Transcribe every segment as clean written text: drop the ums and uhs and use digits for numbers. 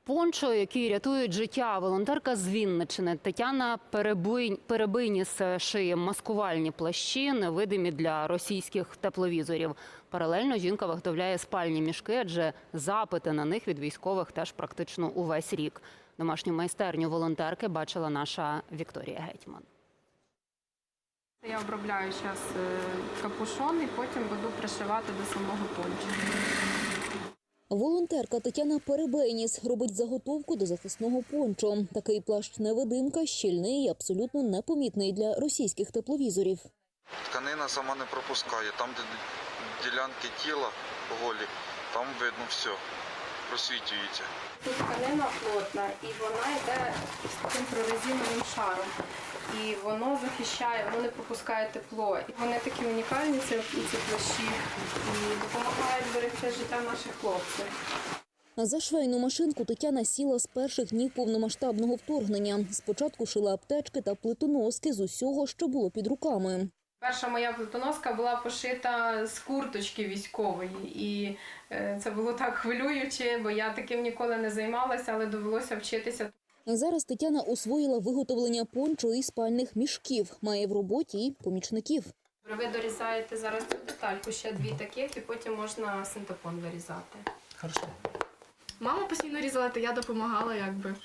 Пончо, які рятують життя. Волонтерка з Вінниччини Тетяна Перебийніс шиє маскувальні плащі, невидимі для російських тепловізорів. Паралельно жінка виготовляє спальні мішки, адже запити на них від військових теж практично увесь рік. Домашню майстерню волонтерки бачила наша Вікторія Гетьман. Я обробляю зараз капюшон і потім буду пришивати до самого пончо. Волонтерка Тетяна Перебийніс робить заготовку до захисного пончо. Такий плащ-невидимка щільний і абсолютно непомітний для російських тепловізорів. Тканина сама не пропускає. Там, де ділянки тіла голі, там видно все, просвітлюється. Тут тканина плотна і вона йде з таким прорезиновим шаром. І воно захищає, воно не пропускає тепло. І вони такі унікальні, ці плащі, і допомагають берегти життя наших хлопців. За швейну машинку Тетяна сіла з перших днів повномасштабного вторгнення. Спочатку шила аптечки та плитоноски з усього, що було під руками. Перша моя плитоноска була пошита з курточки військової. І це було так хвилююче, бо я таким ніколи не займалася, але довелося вчитися. Зараз Тетяна освоїла виготовлення пончо і спальних мішків. Має в роботі і помічників. Ви дорізаєте зараз цю детальку, ще дві таких, і потім можна синтепон вирізати. Хорошо. Мама постійно різала, то я допомагала, якби.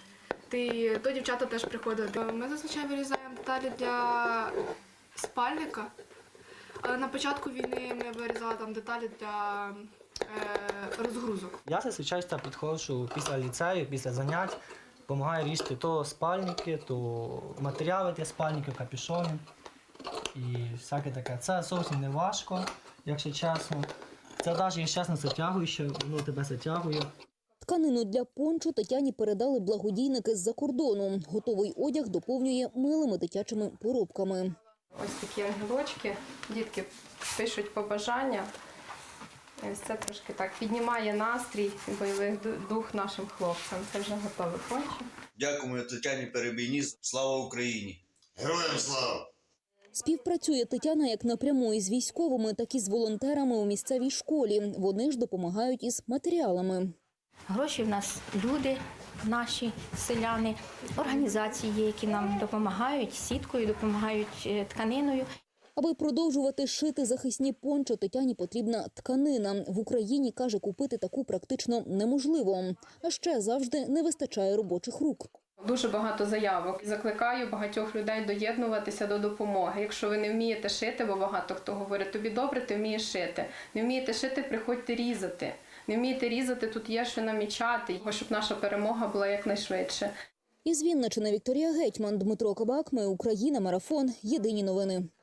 То дівчата теж приходили. Ми зазвичай вирізаємо деталі для спальника, але на початку війни ми вирізали там деталі для розгрузок. Я зазвичай підходжу після ліцею, після занять, допомагаю різати то спальники, то матеріали для спальників, капюшони і всяке таке. Це зовсім не важко, якщо чесно. Це навіть, якщо чесно, затягуюче, воно тебе затягує. Тканину для пончо Тетяні передали благодійники з-за кордону. Готовий одяг доповнює милими дитячими поробками. Ось такі ангелочки, дітки пишуть побажання. Ось це трошки так піднімає настрій і бойовий дух нашим хлопцям. Це вже готовий пончо. Дякуємо Тетяні Перебийніс. Слава Україні! Героям слава! Співпрацює Тетяна як напряму із військовими, так і з волонтерами у місцевій школі. Вони ж допомагають із матеріалами. Гроші в нас люди, наші селяни, організації є, які нам допомагають сіткою, допомагають тканиною. Аби продовжувати шити захисні пончо, Тетяні потрібна тканина. В Україні, каже, купити таку практично неможливо. А ще завжди не вистачає робочих рук. Дуже багато заявок. Закликаю багатьох людей доєднуватися до допомоги. Якщо ви не вмієте шити, бо багато хто говорить, тобі добре, ти вмієш шити. Не вмієте шити, приходьте різати. Не вмієте різати, тут є що намічати, щоб наша перемога була якнайшвидше. Із Вінниччини Вікторія Гетьман, Дмитро Кабак. Ми Україна. Марафон. Єдині новини.